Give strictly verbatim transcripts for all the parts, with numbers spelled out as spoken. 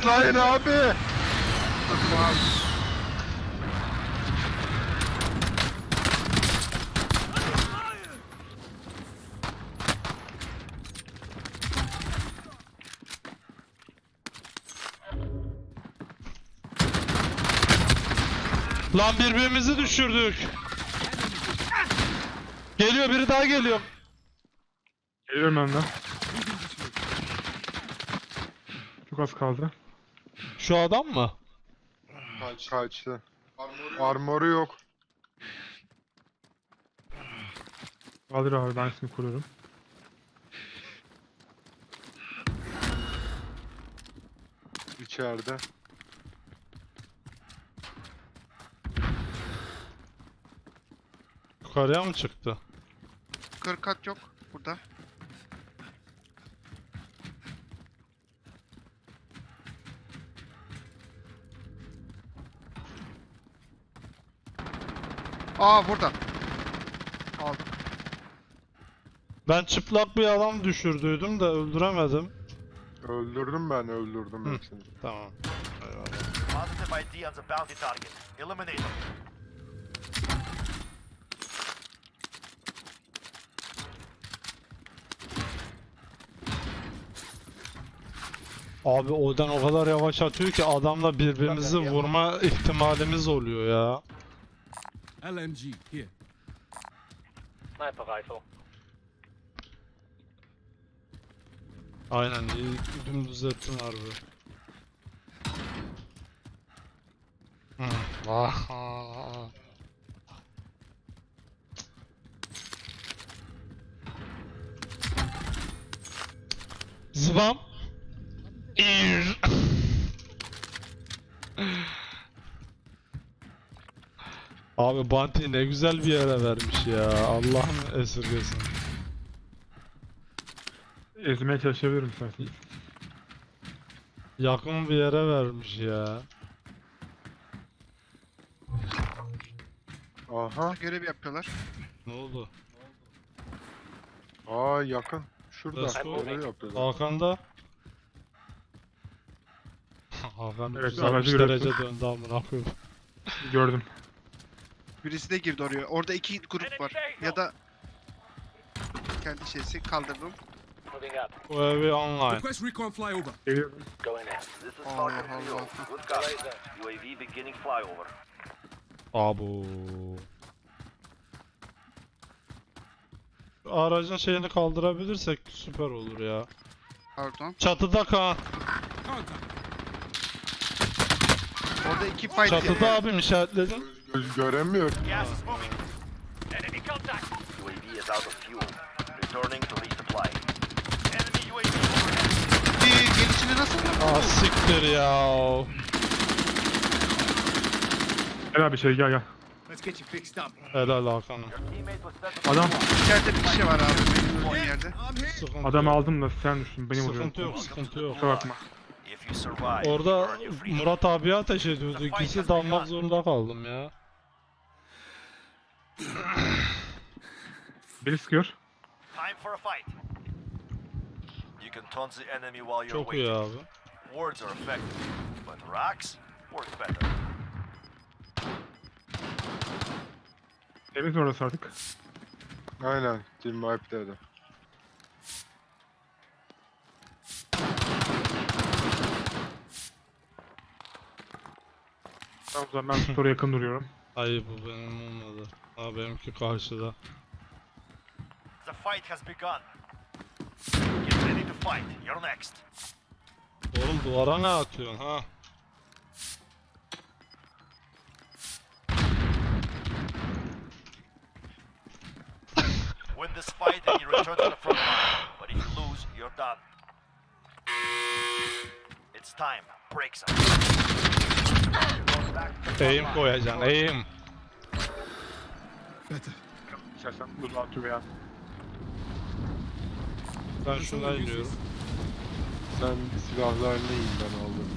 Hayır abi. Lan birbirimizi düşürdük. Geliyor, biri daha geliyor. Geliyorum önden. Çok az kaldı. Şu adam mı? Kaç, kaçtı. Armoru yok. Kaldır abi, ben seni kuruyorum. İçeride. Yukarıya mı çıktı? kırk kat yok burada. Aa burada. Aldım. Ben çıplak bir adam düşürdüydüm de öldüremedim. Öldürdüm ben, öldürdüm Hı. hepsini. Tamam. Eyvallah. Positive I D on the bounty target. Eliminate them. Abi oradan o kadar yavaş atıyor ki adamla birbirimizi vurma ihtimalimiz oluyor ya. L M G, here. Sniper rifle. Aynen, iyi dümdüz ettin harbi. Hı. Vah. Zıbam. İr. Abi Bounty ne güzel bir yere vermiş ya. Allah'ım esirgesin. Ezmeye çalışabilirim isterseniz. Yakın bir yere vermiş ya. Aha. Görev yapıyorlar. Ne oldu? Aa yakın. Şurada. Let's go. Orayı yapıyorlar. Hakan'da. Hakan Evet, yüz altmış aracı derece görüyorsun. döndü amına koyayım. Gördüm. Birisi de girdi oraya. Orada iki grup var. Ya da kendi şeysi kaldırdım. Moving up. Bu evi online. Request recon flyover. Geliyorum. Going in. This is Allah Falcon Allah. three oh. Good copy. U A V beginning flyover. Abu. Şu aracın şeyini kaldırabilirsek süper olur ya. Pardon. Çatıda Kaan. Contact. Orada iki fight Çatıda yapıyor. abim işaretledim. Göz göremiyor. Gas is moving. Enemy contact. U A V is out of fuel. Returning to resupply. Enemy U A V overhead. Bir gelişini nasıl yapıyor? Ah siktir ya. Gel abi şey gel gel. Let's get you fixed up. Helal Hakan'ım. Teammate was set to Adam İçeride bir şey var abi benim olduğum yerde. I'm here. Sıkıntı adamı yok. aldım da sen düştün, beni vuruyorsun. Sıkıntı yok, sıkıntı yok. Kusura bakma. If you survive, Orada you earn your freedom. Murat abiye ateş ediyordu. İkisi dalmak zorunda kaldım ya. Beni sıkıyor. Time for a fight. You can taunt the enemy while you're Çok iyi waiting. abi. Words are effective, but rocks work better. Temiz mi orası artık? Aynen. Team wipe dedi. Tamam o zaman ben store'a yakın duruyorum. Hayır, bu benim olmadı. Ha, benimki karşıda. The fight has begun. Get ready to fight. You're next. Oğlum duvara ne atıyorsun ha? Win this fight and you return to the front line. But if you lose, you're done. It's time. Break some. Eğim koyacaksın, eğim. Better. İstersen dur atıyor veya. Ben şuna iniyorum. Sen silahlarını yiyin, ben aldım.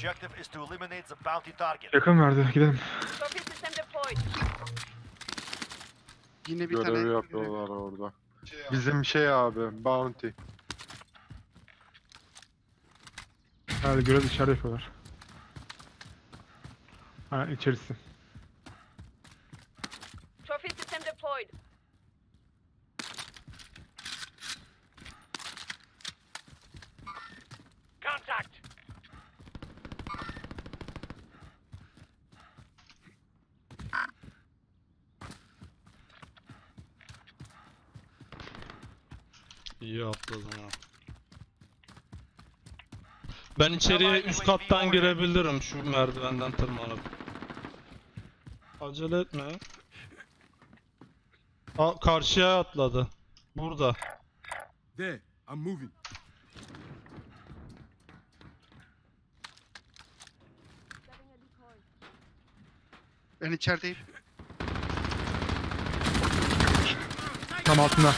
objective is to eliminate the bounty target. Yakın verdi. Gidelim. Trophy system deployed. Yine bir Görevi tane yapıyorlar orada. Bizim şey abi, bounty. Herhalde görev içeride yapıyorlar. Ha içerisi. Trophy system deployed. Contact! İyi atladın ha. Ben içeriye üst kattan girebilirim şu merdivenden tırmanıp. Acele etme. Aa, karşıya atladı. Burada. There. I'm moving. Setting a decoy. ben içerideyim. Tam altında.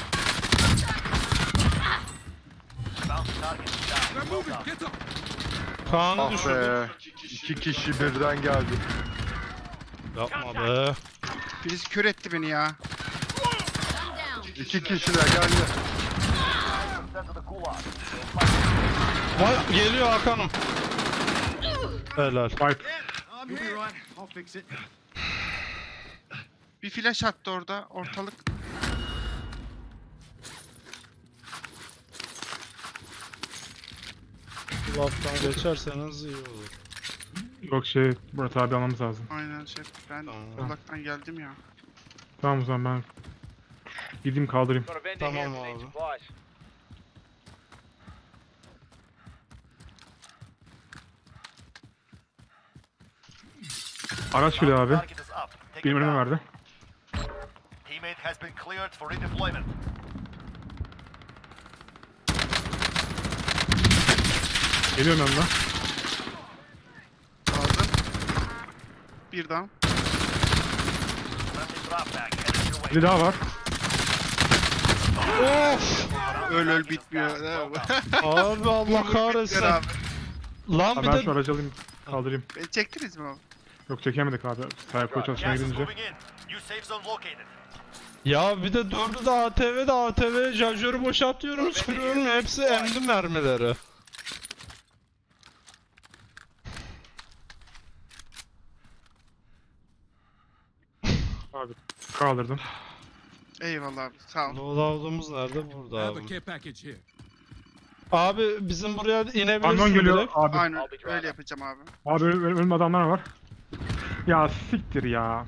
Bounty target is down. They're Well moving. done. Get up. Kaan'ı Ah düşürdüm. be. İki kişi birden geldi. Yapma be. Birisi kör etti beni ya. İki kişiler geldi. Sent to the gulag. Vay, geliyor Hakan'ım. Helal. Wipe. I'm here. Right. I'll fix it. Bir flash attı orada ortalık. Bu laftan geçerseniz iyi olur. Yok şey Murat abi almamız lazım. Aynen şey. Ben Tamam. uzaktan geldim ya. Tamam o zaman ben gideyim kaldırayım. Got a vending Tamam here for abi. these supplies. Araç geliyor abi. Target is up. Take Benim it önüme down. verdi. Teammate has been cleared for redeployment. Geliyorum yanına. Aldım. Bir down. Friendly drop bag headed your way. Bir daha var. Öl öl bitmiyor. Well done. Abi Allah kahretsin. Bitmiyor abi. Lan Abi bir ben şu de aracı alayım kaldırayım. Beni çektiniz mi abi? Yok çekemedik abi. Sayfa çalışmaya Gas is gidince. moving in. New safe zone located. ya bir de dördü de A T V'de A T V şarjörü boşaltıyorum sürüyorum hepsi emdi mermileri. Abi kaldırdım. Eyvallah abi sağ ol. Loadout'umuz nerede? Burada I have a abi. care package here. Abi bizim buraya inebilirsin Kamyon geliyor direkt. abi. Aynen öyle yapacağım abi. Abi önüm, önüm- önümde adamlar var. Ya siktir ya.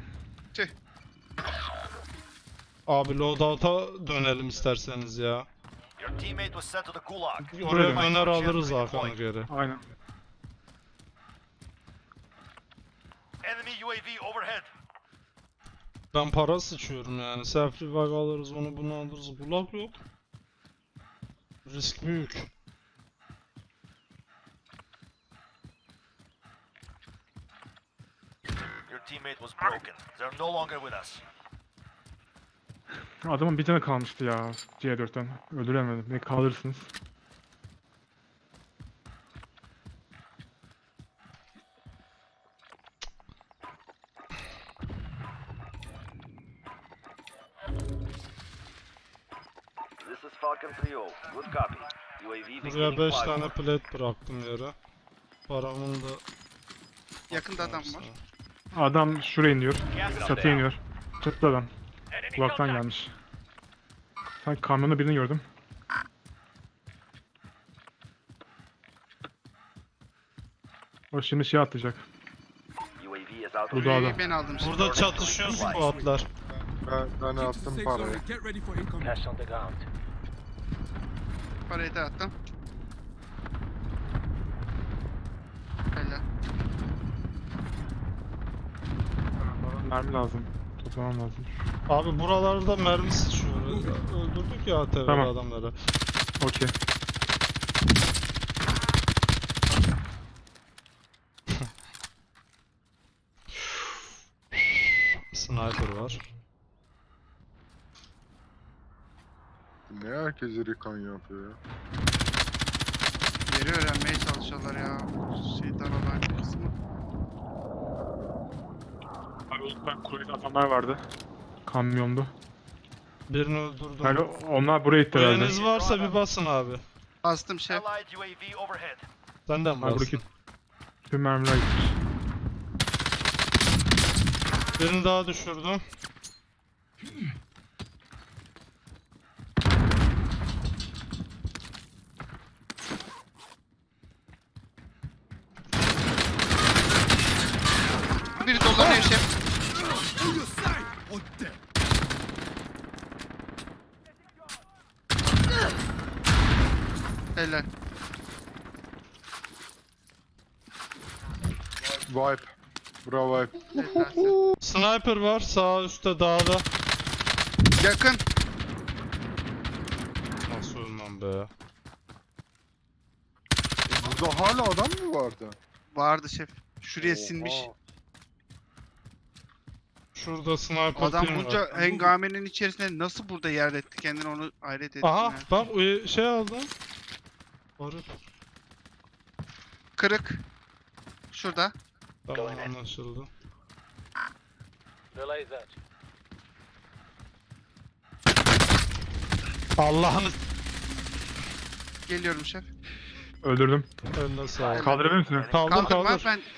Abi loadout'a dönelim isterseniz ya. Your teammate was sent to the gulag. Oraya Öyle. döner alırız Hakan'ı geri. Aynen. Enemy U A V overhead. Ben para sıçıyorum yani. Self revive alırız onu bunu alırız. Bulak yok. Risk büyük. Your teammate was broken. They're no longer with us. Adamın bir tane kalmıştı ya C dörtten. Öldüremedim. Ne kaldırırsınız? This is Falcon three oh. Good copy. U A V Buraya beginning beş flyover. tane plate bıraktım yere. Paramın da... Yakında adam var. Adam şuraya iniyor. Gas is Çatıya down. iniyor. Çatıda adam. Enemy Kulaktan contact. gelmiş. Sanki kamyonda birini gördüm. O şimdi şey atlayacak. U A V is out Bu of da adam. Üyeyi ben aldım şimdi. Burada çatışıyor squadlar. Ben, ben Get to attım safe parayı. zone. Get ready for incoming. on the ground. Parayı da attım. Helal. Mermi lazım. Toplamam lazım. Abi buralarda mermi sıçıyor. Öldürdük ya A T V Tamam. adamları. Okey. Sniper var. Ne herkes recon yapıyor ya. Yeri Yeri öğrenmeye çalışıyorlar ya. Şey daralan kısmı. Abi lütfen kulede adamlar vardı. Kamyondu. Birini öldürdüm. Yani onlar buraya itti herhalde. Kuyunuz varsa bir basın abi. Bastım şef. Allied U A V overhead. Sen de mi Abi bastın? buradaki tüm mermiler gitmiş. Birini daha düşürdüm. Biri dolanıyor şef. On your side or dead. Helal. Wipe. Bravo wipe. Helalsin. Sniper var sağ üstte dağda. Yakın. Nasıl ölmem be? Burada hala adam mı vardı? Vardı şef. Şuraya Oha. sinmiş. Şurada sniper Adam team var. bunca hengamenin içerisinde nasıl burada yer etti kendini onu hayret ettim. Aha ya. bak o şey aldım. Barut. Kırık. Şurada. Tamam anlaşıldı. Relay that. Allah'ını Geliyorum şef. Öldürdüm. eline sağlık. Kaldırabilir misin? Kaldır Kaldım kaldır. var ben.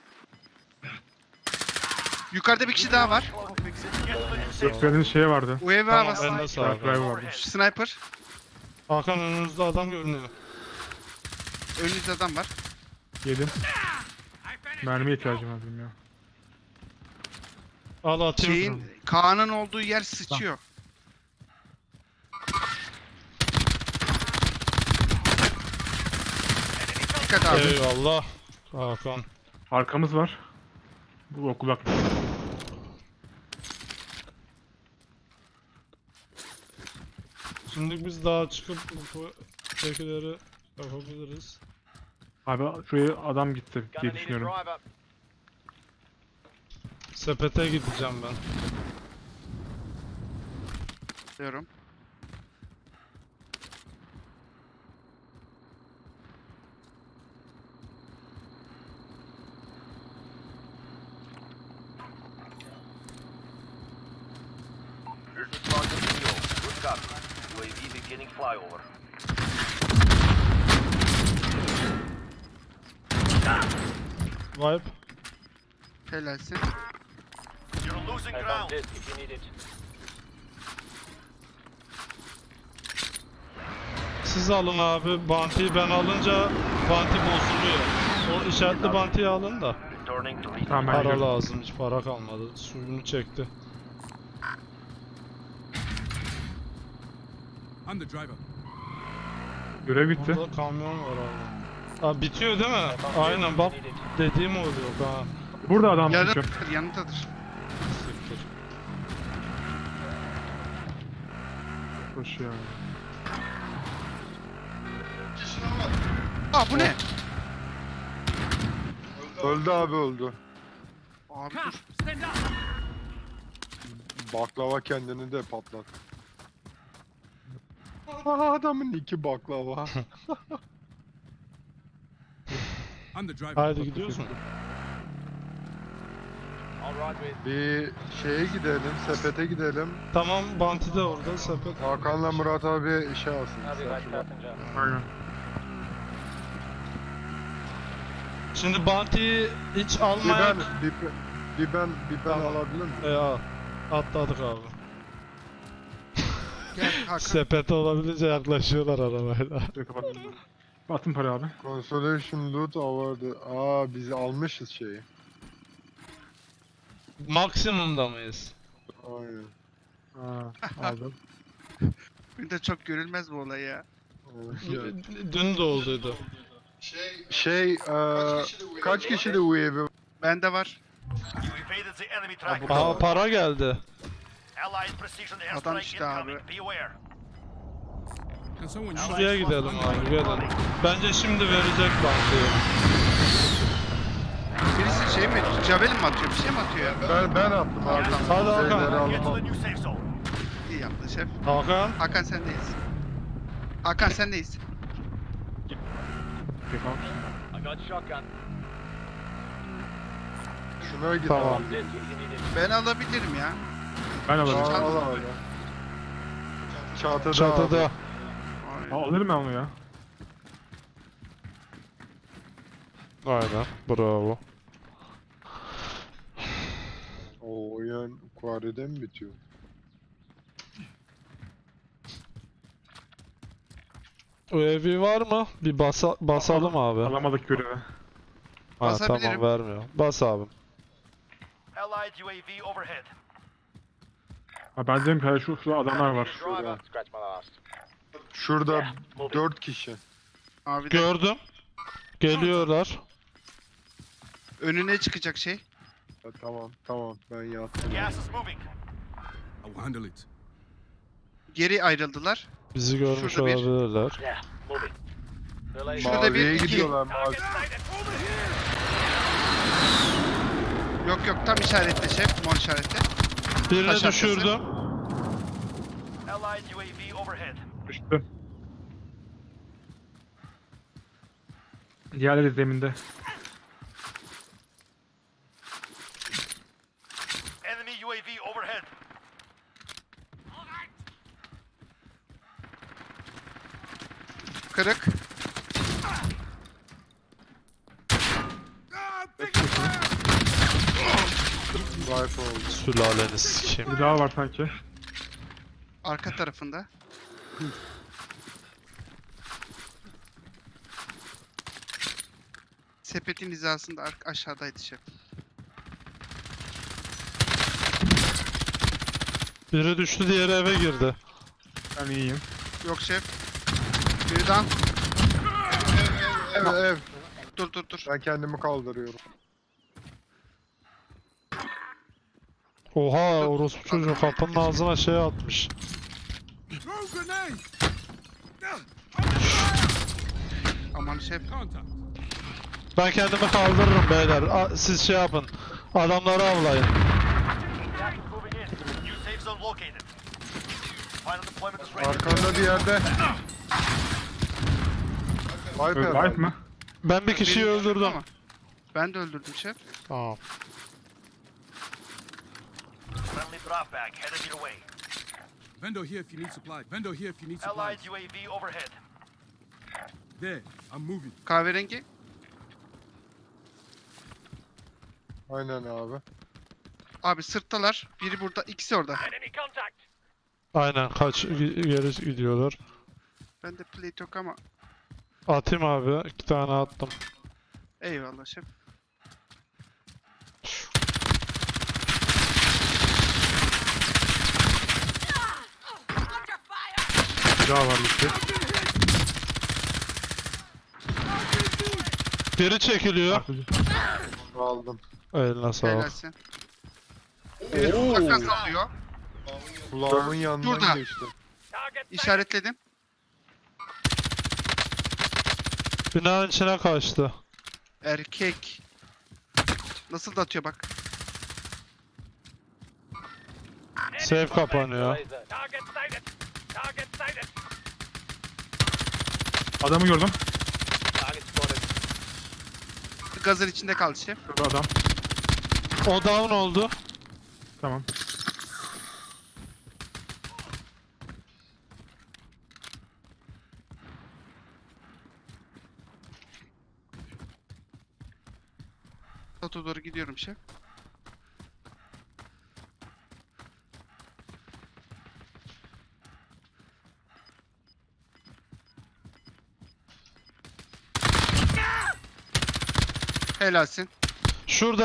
Yukarıda bir kişi daha var. I'll fix it. Get to the new safe zone. Gösterdiğiniz şey vardı. U A V Tamam havası. eline sağlık. Drive vardı. Sniper. Hakan önünüzde adam görünüyor. Önünüzde adam var. Yedim. Mermiye ihtiyacım var benim ya. Al atayım. Şeyin Kaan'ın olduğu yer sıçıyor. Dikkat abi. Eyvallah. Hakan. Arkamız var. Bu okul bak. Şimdi biz daha çıkıp bu tekileri yapabiliriz. Abi şuraya adam gitti Gonna diye need a düşünüyorum. drive up. Sepete gideceğim ben. Diyorum. Here's the target fuel. Good copy. U A V beginning flyover. Wipe. Helalsin. You're losing ground. If you need it. Siz alın abi. Bounty'yi ben alınca bounty bozuluyor. O işaretli bounty'yi alın da. Returning to Tamam ben Para gidiyorum. lazım. Hiç para kalmadı. Suyunu çekti. I'm the driver. Görev bitti. Burada kamyon var abi. Ha bitiyor değil mi? Aynen bak dediğim oluyor ha. Burada adam çıkıyor. Yanındadır, yanındadır. Siktir. Koşuyor. Aa bu ne? Öldü abi öldü. Abi dur. Baklava kendini de patlat. Aa, adamın iki baklava. I'm the driver. Haydi gidiyoruz mu? All right with. Bir şeye gidelim, sepete gidelim. Tamam bounty de orada sepet. Hakan'la Murat abi işe alsın. Sen şurada. Aynen. Şimdi bounty'yi hiç Bir ben, almayan... bir, bir ben, bir ben Tamam. alabilir miyim? E al. Atladık abi. Gel Hakan. Sepete olabildiğince yaklaşıyorlar arabayla. Şurayı kapattım. Attım para abi. Consolation loot awarded. Aa biz almışız şeyi. Maksimumda mıyız? Aynen. Aa, aldım. Bir de çok görülmez bu olay ya. Aynen. Dün de olduydu. Şey, eee kaç kişi de U A V? Bende var. You evaded the enemy track. Aa para geldi. Allied precision Adam airstrike işte abi. incoming. Be aware. Can someone Şuraya gidelim abi gelin. Bence şimdi verecek bounty'yi. Birisi şey mi? Javelin mi atıyor? Bir şey mi atıyor ya? Ben ben attım abi. Hadi Hakan. Şeyleri Get to the aldım. new safe zone. İyi yaptı şef. Hakan. Hakan sendeyiz. Hakan sendeyiz. Pick up. I got shotgun. Şuna git Tamam. abi. This if you need it. Ben alabilirim ya. Ben alırım. Al Çatıda. al abi. Çatıda, Çatıda. abi. Aynen. Aa, alırım ben onu ya. Aynen. Bravo. O oyun Quarry'de mi bitiyor? U A V var mı? Bir basa basalım abi. Alamadık görevi. Ha Basabilirim. tamam vermiyor. Bas abim. Allied U A V overhead. Ha, ben dedim ki hayır, şu, şu adamlar var. Driver. Scratch my last. Şurada dört kişi. Abi de Gördüm. Geliyorlar. önüne çıkacak şey. Ha, tamam tamam ben yattım. Gas is moving. I will handle it. Geri ayrıldılar. Bizi görmüş Şurada bir. olabilirler. Yeah, moving. Relay. Şurada Maviye bir, iki. gidiyorlar mavi. Target sighted. Yok yok tam işaretle şef. Mor işaretle. Birini Taş arkası. düşürdüm. Allied U A V overhead. Düştü. Diğerleri zeminde. Enemy U A V overhead. Kırık. Rifle oldu. Sülaleniz sikeyim. Bir daha var sanki. Arka tarafında. Sepetin hizasında ar- aşağıdaydı şef. Biri düştü, diğeri eve girdi. Ben iyiyim. Yok şef. Birden. Ev ev. Dur dur dur. Ben kendimi kaldırıyorum. Oha, orospu çocuğu kapının ağzına şey atmış. Throw grenade! Aman şef. Contact. Ben kendimi kaldırırım beyler. A- Siz şey yapın. Adamları avlayın. Gas is moving in. New safe zone located. Final deployment is ready. Arkanda bir yerde. Viper. Ö- Life mı? Ben bir kişiyi Beni öldürdüm. ama. Ben de öldürdüm şef. Tamam. Friendly drop bag headed your way. Vendor here if you need supply. Vendor here if you need supplies. Allied U A V overhead. There, I'm moving. Kahverengi. Aynen abi. Abi sırttalar. Biri burada. İkisi orada. Enemy contact. Aynen, kaç gi- geri gidiyorlar. Ben de plate yok ama. Atayım abi. İki tane attım. Eyvallah şef. Bir daha var gitti. Geri çekiliyor. Artıcı. Aldım. Eline sağlık. Helalsin. Biri uzaktan sallıyor. Kulağımın yanından Şurada. geçti. Target sighted. İşaretledim. Binanın içine kaçtı. Erkek. Nasıl da atıyor bak. Safe kapanıyor. Target sighted. Target sighted. Adamı gördüm. Target spotted. Gazın içinde kaldı şef. Şurada adam. O down oldu. Tamam. Sato doğru gidiyorum şef. Helalsin. Şurada.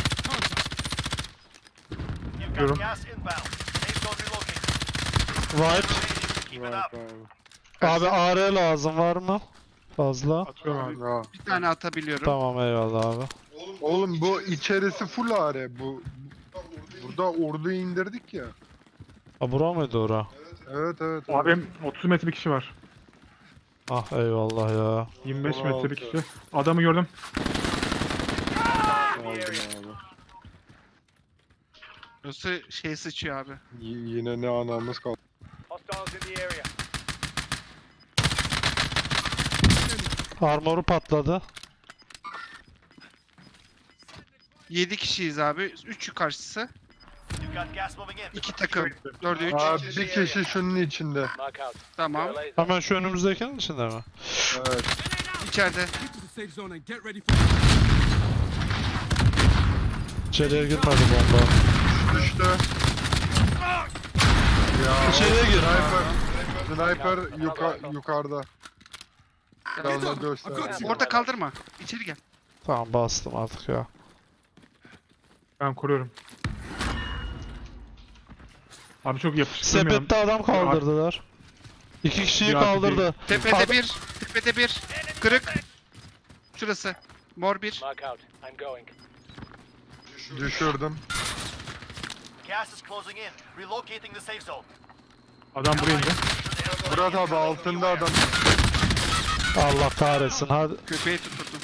You've Diyorum. got gas inbound. Safe zone relocated. Right. Keep it Viper up. abi. Abi A R lazım var mı? Fazla. Atıyorum abi. Ya. Bir tane atabiliyorum. Tamam, eyvallah abi. Oğlum bu içerisi full are. Bu burada ordu indirdik ya. Ha, bura mıydı ora? Evet evet. Abim otuz metre bir kişi var. Ah eyvallah ya. yirmi beş on metre bir altı. kişi. Adamı gördüm. Aldım abi. Burası şey sıçıyor abi. Y- yine ne anamız kaldı. Hostiles in the area. Armoru patladı. yedi kişiyiz abi. üç karşısı. You've got gas moving in. iki takım. dörde üç. Aa, bir kişi şunun içinde. Mark out. Tamam. Allies Hemen şu önümüzdekinin içinde mi? Evet. İçeride. Get to the safe zone and get ready for. İçeriye girmedi bomba. Düştü. Ya İçeriye gir. Sniper. Sniper yuka, yukarıda. Yanına I göster. got you. Orada kaldırma. İçeri gel. Tamam bastım artık ya. Ben kuruyorum. Abi çok yapıştırmıyorum. Sepette adam kaldırdılar. İki kişiyi Bir artı kaldırdı. Tepede Ad- bir. Tepede bir. Kırık. Şurası. Mor bir. Mark out. I'm going. Düşürdüm. Gas is closing in. Relocating the safe zone. Adam buraya indi. Murat abi altında adam. Allah kahretsin hadi. Köpeği tutturdum.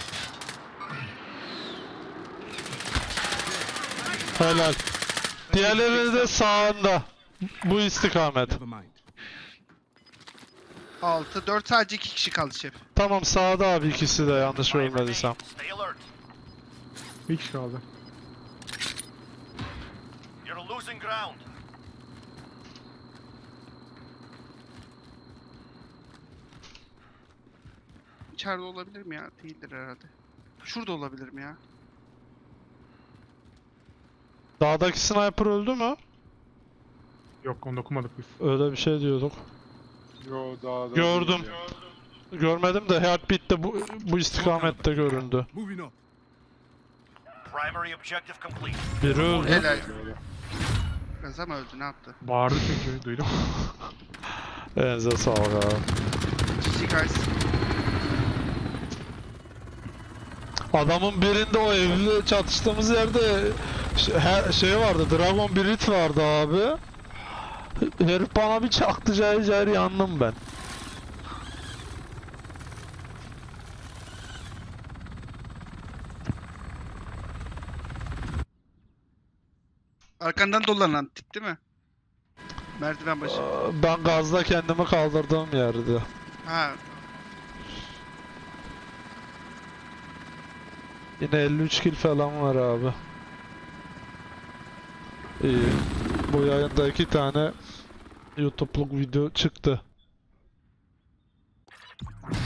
Helal. Diğerleri de sağında. Bu istikamet. Never mind. altı. dört sadece iki kişi kaldı şef. Tamam sağda abi ikisi de yanlış Five görmediysem. remain. Stay alert. Bir kişi kaldı. You're losing ground. İçeride olabilir mi ya? Değildir herhalde. Şurada olabilir mi ya? Dağdaki sniper öldü mü? Yok onu dokumadık biz. Öyle bir şey diyorduk. Yo daha da Gördüm. değil ya. Görmedim de Heartbeat'te bu, bu istikamette göründü. Moving up. Primary objective complete. Biri öldü. Helal. Biraz ama öldü ne yaptı? Bağırdı çünkü duydum. Elinize sağlık abi. G G guys. Adamın birinde o evli çatıştığımız yerde şey, her- şey vardı, Dragon Brit vardı abi. Herif bana bir çaktı cayır cayır yandım ben. Arkandan dolanan tip değil mi? Merdiven başı. Ben gazda kendimi kaldırdığım yerde. Ha. Yine elli üç kill falan var abi. İyi. Bu yayında iki tane YouTube'luk video çıktı.